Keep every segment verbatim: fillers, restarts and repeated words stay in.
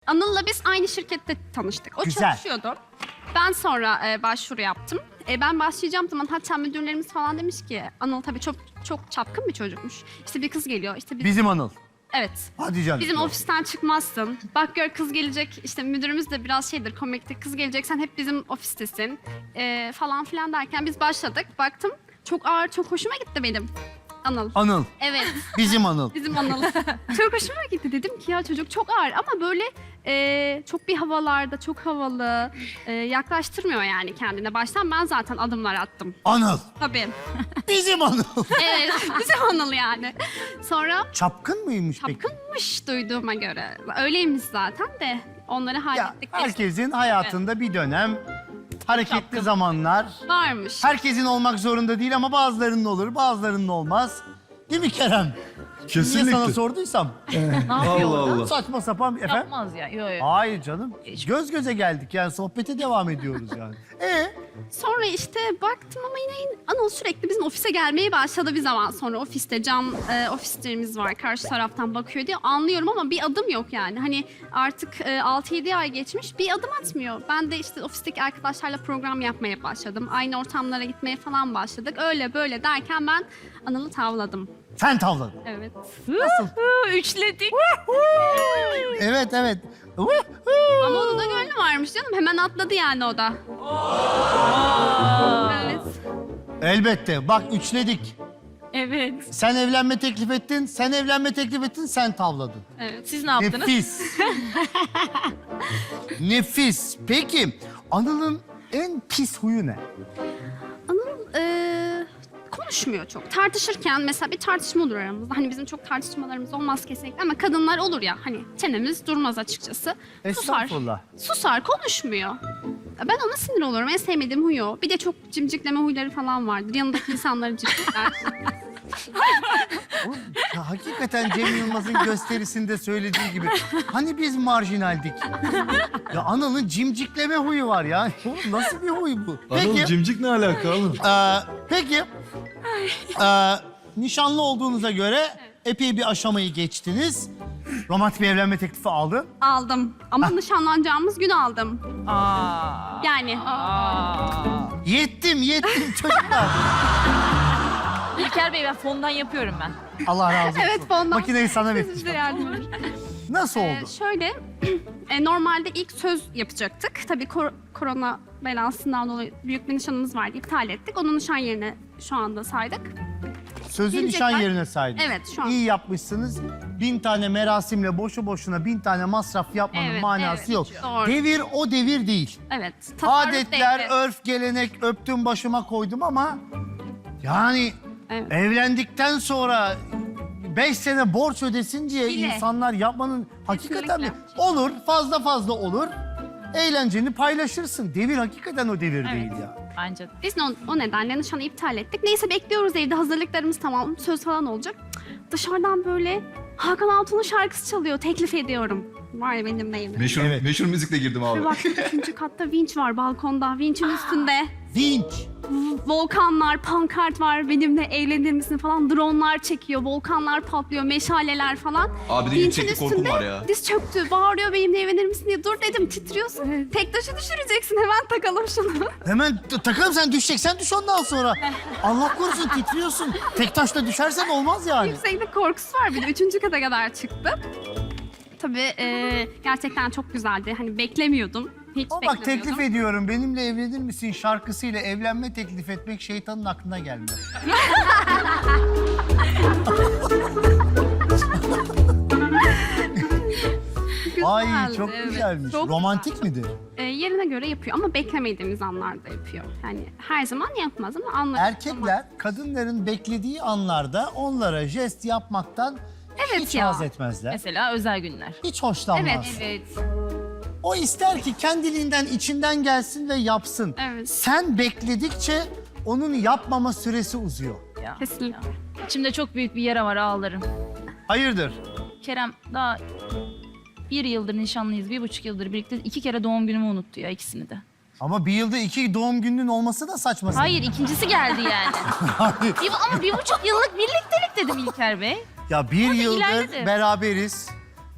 Anıl'la biz aynı şirkette tanıştık. O Güzel. çalışıyordu. Ben sonra e, başvuru yaptım. E, ben başlayacağım zaman hatta müdürlerimiz falan demiş ki Anıl tabii çok çok çapkın bir çocukmuş. İşte bir kız geliyor. İşte bir... Bizim Anıl. Evet. Hadi canım. Bizim ofisten çıkmazsın. Bak gör kız gelecek. İşte müdürümüz de biraz şeydir komiktir. Kız gelecek sen hep bizim ofistesin. E, falan filan derken biz başladık. Baktım çok ağır çok hoşuma gitti benim. Anıl. Anıl. Evet. Bizim Anıl. Bizim Anıl. Çok hoşuma gitti. Dedim ki ya çocuk çok ağır ama böyle e, çok bir havalarda, çok havalı. E, yaklaştırmıyor yani kendine. Baştan ben zaten adımlar attım. Anıl. Tabii. Bizim Anıl. Evet, bizim Anıl yani. Sonra Çapkın mıymış peki? çapkınmış duyduğuma göre. Öyleymiş zaten de onları Ya hallettik. herkesin hayatında bir dönem hareketli Çapkın. zamanlar. Varmış. Herkesin olmak zorunda değil ama bazılarının olur, bazılarının olmaz. Değil mi Kerem? Niye sana Kesinlikle. sorduysam? Ne yapıyor Allah orada? Allah. Saçma sapan efendim. Yapmaz ya. Yok yok. Hayır canım. Göz göze geldik yani sohbete devam ediyoruz yani. Ee, Sonra işte baktım ama yine Anıl sürekli bizim ofise gelmeye başladı bir zaman sonra. Ofiste cam e, ofislerimiz var karşı taraftan bakıyor diye anlıyorum ama bir adım yok yani. Hani artık e, altı yedi ay geçmiş bir adım atmıyor. Ben de işte ofisteki arkadaşlarla program yapmaya başladım. Aynı ortamlara gitmeye falan başladık. Öyle böyle derken ben Anıl'ı tavladım. sen tavladın. Evet. Nasıl? Üçledik. Evet evet. Ama onun da gönlü varmış canım. Hemen atladı yani o da. Evet. Elbette. Bak üçledik. Evet. Sen evlenme teklif ettin, sen evlenme teklif ettin, sen tavladın. Evet. Siz ne yaptınız? Nefis. Nefis. Peki Anıl'ın en pis huyu ne? Anıl e, konuşmuyor çok. Tartışırken mesela bir tartışma olur aramızda. Hani bizim çok tartışmalarımız olmaz kesinlikle ama kadınlar olur ya hani çenemiz durmaz açıkçası. Susar. Estağfurullah. Susar, konuşmuyor. Ben ona sinir olurum. En sevmediğim huyu o. Bir de çok cimcikleme huyları falan vardır. Yanındaki insanları cimcikler. Oğlum, ya hakikaten Cem Yılmaz'ın gösterisinde söylediği gibi. Hani biz marjinaldik. Ya Anıl'ın cimcikleme huyu var ya. Oğlum nasıl bir huy bu? Anıl Peki, cimcik ne alaka oğlum? e, peki e, nişanlı olduğunuza göre epey bir aşamayı geçtiniz. Romantik bir evlenme teklifi aldın. Aldım. Ama nişanlanacağımız gün aldım. Aa. Yani. Aa. Yettim, yettim çocuklar. İlker Bey ben fondan yapıyorum ben. Allah razı olsun. Evet, fondan. Makineyi sana Size vereceğim. yardım edin. Nasıl Ee, oldu? şöyle, e, normalde ilk söz yapacaktık. Tabii kor- korona belasından dolayı büyük bir nişanımız vardı. İptal ettik. Onun nişan yerine şu anda saydık. Sözü gelecekler. nişan yerine saydınız. Evet, şu an. İyi yapmışsınız. Bin tane merasimle boşu boşuna bin tane masraf yapmanın Evet, manası evet, yok. doğru. Devir o devir değil. Evet. tasarruf Adetler, devri. örf, gelenek öptüm başıma koydum ama yani Evet. evlendikten sonra beş sene borç ödesin diye Bile. insanlar yapmanın hakikaten mi? Kesinlikle. Olur, fazla fazla olur. Eğlenceni paylaşırsın. Devir hakikaten o devir Evet. değil ya. Bence de. Biz de o, o nedenle nişanı iptal ettik. Neyse bekliyoruz evde hazırlıklarımız tamam. Söz falan olacak. Cık, Dışarıdan böyle Hakan Altun'un şarkısı çalıyor. Teklif ediyorum. Var ya benim neyim. Meşhur, Evet. meşhur müzikle girdim Bir abi. baktım ikinci katta vinç var balkonda. Vinçin üstünde. Vinç. Volkanlar, pankart var. Benimle evlenir misin falan. Dronlar çekiyor. Volkanlar patlıyor. Meşaleler falan. Abi de Vinçin yükseklik korkum üstünde var ya. diz çöktü. Bağırıyor benimle evlenir misin diye. Dur dedim titriyorsun. Tek taşı düşüreceksin. Hemen takalım şunu. Hemen t- takalım sen düşeceksen düş ondan sonra. Allah korusun titriyorsun. Tek taşla düşersen olmaz yani. Yükseklik korkusu var bir de. Üçüncü kata kadar çıktı. Tabii e, gerçekten çok güzeldi. Hani beklemiyordum. Hiç Ama bak beklemiyordum. teklif ediyorum benimle evlenir misin şarkısıyla evlenme teklif etmek şeytanın aklına gelmez. Ay Güzeldi, çok evet. güzelmiş. Çok Romantik midir? E, yerine göre yapıyor ama beklemediğimiz anlarda yapıyor. Yani her zaman yapmaz ama anlar. Erkekler kadınların beklediği anlarda onlara jest yapmaktan Evet hiç ya. haz etmezler. Mesela özel günler. Hiç hoşlanmaz. Evet. Evet. O ister ki kendiliğinden içinden gelsin ve yapsın. Evet. Sen bekledikçe onun yapmama süresi uzuyor. Ya. Kesinlikle. İçimde çok büyük bir yara var ağlarım. Hayırdır? Kerem daha bir yıldır nişanlıyız, bir buçuk yıldır birlikte iki kere doğum günümü unuttu ya ikisini de. Ama bir yılda iki doğum gününün olması da saçma. Hayır ikincisi geldi yani. bir, ama bir buçuk yıllık birliktelik dedim İlker Bey. Ya bir yıldır ilerledi. beraberiz.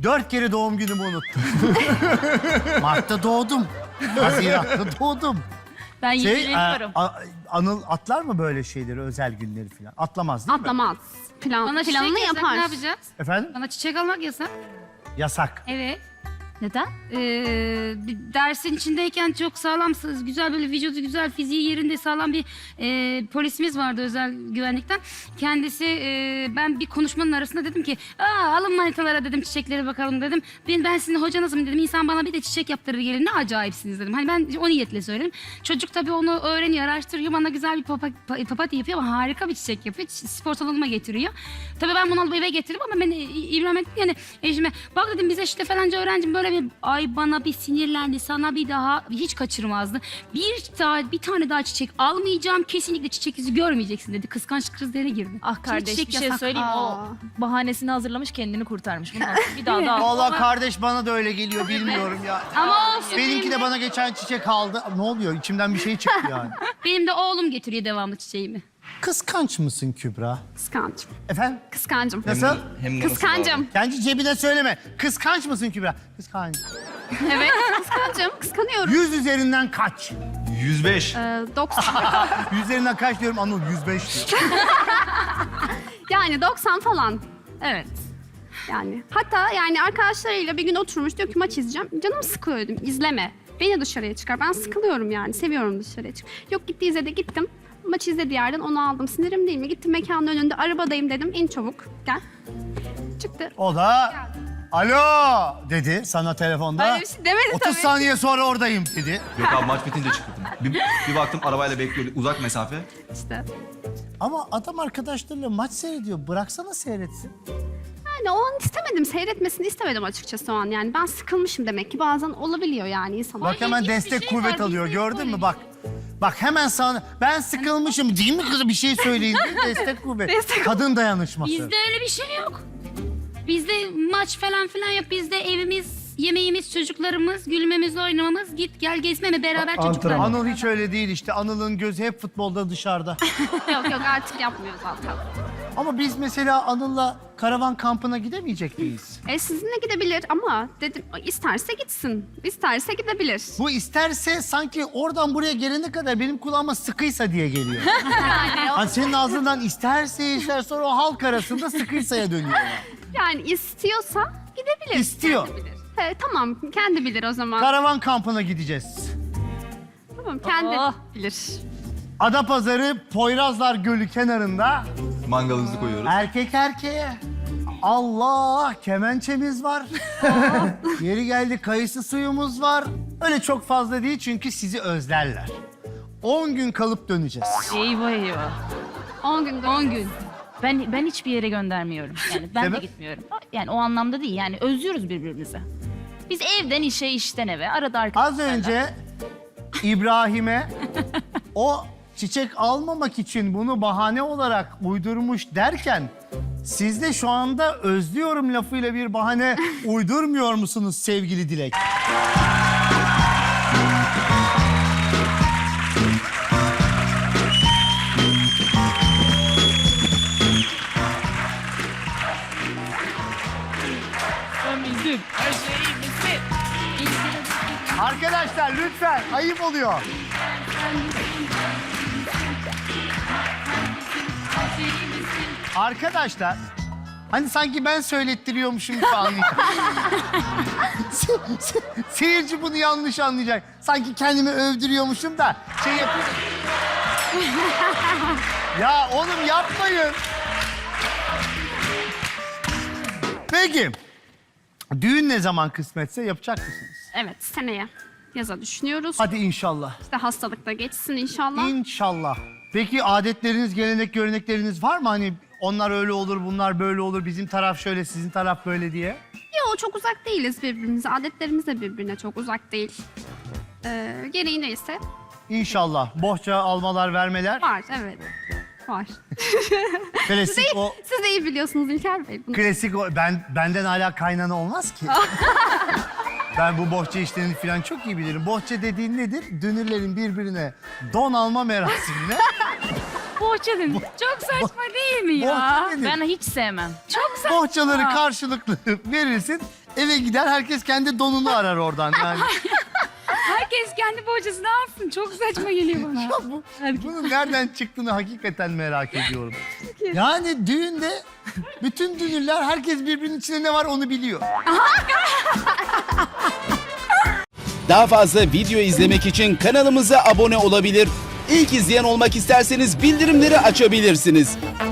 Dört kere doğum günümü unuttum. Mart'ta doğdum. Haziran'da doğdum. Ben Şey, e, ilgileniyorum. a- Anıl atlar mı böyle şeyleri, özel günleri falan? Atlamaz değil mi? Atlamaz. Plan, Bana çiçek planını yasak, yapar. ne yapacağız? Efendim? Bana çiçek almak yasak. Yasak. Evet. Neden? Ee, bir dersin içindeyken çok sağlamsınız. Güzel böyle vücudu güzel, fiziği yerinde sağlam bir e, polisimiz vardı özel güvenlikten. Kendisi e, ben bir konuşmanın arasında dedim ki aa alın manitalara dedim çiçeklere bakalım dedim. Ben, ben sizin hocanızım dedim. İnsan bana bir de çiçek yaptırır gelir ne acayipsiniz dedim. Hani ben o niyetle söyledim. Çocuk tabii onu öğreniyor, araştırıyor. Bana güzel bir papa, pa- papatya yapıyor ama harika bir çiçek yapıyor. Ç- Spor salonuma getiriyor. Tabii ben bunu alıp eve getirdim ama ben e, İbrahim ettim yani eşime bak dedim bize işte falanca öğrencim böyle bir ay bana bir sinirlendi sana bir daha hiç kaçırmazdı. Bir daha bir tane daha çiçek almayacağım kesinlikle çiçek yüzü görmeyeceksin dedi. Kıskanç krizlerine girdi. Ah Şimdi kardeş çiçek bir şey yasak. söyleyeyim mi? Aa. O bahanesini hazırlamış kendini kurtarmış. Bundan sonra bir daha daha. Vallahi kardeş bana da öyle geliyor bilmiyorum ya. Ama olsun Benimki benim de de, bana geçen çiçek aldı. Ne oluyor? İçimden bir şey çıktı yani. benim de oğlum getiriyor devamlı çiçeğimi. Kıskanç mısın Kübra? Kıskancım. Efendim? Kıskancım. Nasıl? Hem de nasıl Kıskancım. Kendi cebine söyleme. Kıskanç mısın Kübra? Kıskanç. Evet, kıskancım. Kıskanıyorum. Yüz üzerinden kaç? bağlı? yüz beş. Ee, doksan. Yüz üzerinden kaç diyorum Anıl? Yüz beş diyor. Yani doksan falan. Evet. Yani hatta yani arkadaşlarıyla bir gün oturmuş diyor ki maç izleyeceğim. Canım sıkılıyor dedim. İzleme. Beni dışarıya çıkar. Ben sıkılıyorum yani. Seviyorum dışarıya çık. Yok gitti izledi gittim. Maç izlediği yerden onu aldım. Sinirim değil mi? Gittim mekanın önünde arabadayım dedim. İn çabuk. Gel. Çıktı. O da alo dedi sana telefonda. Öyle bir şey demedi otuz tabii. saniye sonra oradayım dedi. Yok abi maç bitince çıktım. Bir, bir baktım arabayla bekliyor uzak mesafe. İşte. Ama adam arkadaşlarıyla maç seyrediyor. Bıraksana seyretsin. Yani o an istemedim. Seyretmesini istemedim açıkçası o an. Yani ben sıkılmışım demek ki. Bazen olabiliyor yani insanlar. Bak hemen ilginç bir destek şey kuvvet var, alıyor bizde gördün böyle mü bir bak. Bak hemen sana ben sıkılmışım değil mi kızım bir şey söyleyin diye destek kuvvet. Destek- Kadın dayanışması. Bizde öyle bir şey yok. Bizde maç falan filan yok. Bizde evimiz, yemeğimiz, çocuklarımız, gülmemiz, oynamamız, git gel gezmeme beraber çocuklar. Anıl hiç öyle değil işte. Anıl'ın gözü hep futbolda dışarıda. Yok yok artık yapmıyor zaten. Ama biz mesela Anıl'la karavan kampına gidemeyecek miyiz? E sizinle gidebilir ama dedim isterse gitsin. İsterse gidebilir. Bu isterse sanki oradan buraya gelene kadar benim kulağıma sıkıysa diye geliyor. Hani senin ağzından isterse ister sonra o halk arasında sıkıysa'ya dönüyor. Yani istiyorsa gidebilir. İstiyor. Kendi bilir. He, tamam kendi bilir o zaman. Karavan kampına gideceğiz. Tamam kendi Oh. bilir. Adapazarı Poyrazlar Gölü kenarında Mangalımızı koyuyoruz. erkek erkeğe. Allah kemençemiz var. Yeri geldi kayısı suyumuz var. Öyle çok fazla değil çünkü sizi özlerler. on gün kalıp döneceğiz. Eyvah eyvah. on gün. on gün. Ben ben hiçbir yere göndermiyorum. Yani ben Sebep? de gitmiyorum. Yani o anlamda değil. Yani özlüyoruz birbirimizi. Biz evden işe, işten eve, arada Az arkadaşlarla. önce İbrahim'e o çiçek almamak için bunu bahane olarak uydurmuş derken siz de şu anda özlüyorum lafıyla bir bahane uydurmuyor musunuz sevgili Dilek? Arkadaşlar lütfen ayıp oluyor. Arkadaşlar hani sanki ben söylettiriyormuşum gibi anlayacak. Se- se- Seyirci bunu yanlış anlayacak. Sanki kendimi övdürüyormuşum da şey yapıyor. Ya oğlum yapmayın. Peki. Düğün ne zaman kısmetse yapacak mısınız? Evet seneye yaza düşünüyoruz. Hadi inşallah. İşte hastalık da geçsin inşallah. İnşallah. Peki adetleriniz, gelenek, görenekleriniz var mı? Hani onlar öyle olur, bunlar böyle olur, bizim taraf şöyle, sizin taraf böyle diye. Yok çok uzak değiliz birbirimize. Adetlerimiz de birbirine çok uzak değil. Ee, gereği neyse İnşallah. Bohça almalar, vermeler. var evet. Var. Klasik o, Siz de iyi biliyorsunuz İlker Bey bunu. klasik o. Ben, benden hala kaynana olmaz ki. Ben bu bohça işlerini falan çok iyi bilirim. Bohça dediğin nedir? Dünürlerin birbirine don alma merasimine. Bohça dedim. Çok saçma değil mi ya? Bohça nedir? Ben hiç sevmem. Bohçaları karşılıklı verirsin. eve gider herkes kendi donunu arar oradan yani. Herkes kendi bohçasını alsın. Çok saçma geliyor bana. Ya bu, bunun nereden çıktığını hakikaten merak ediyorum. Yani düğünde bütün dünürler herkes birbirinin içinde ne var onu biliyor. Daha fazla video izlemek için kanalımıza abone olabilir. İlk izleyen olmak isterseniz bildirimleri açabilirsiniz.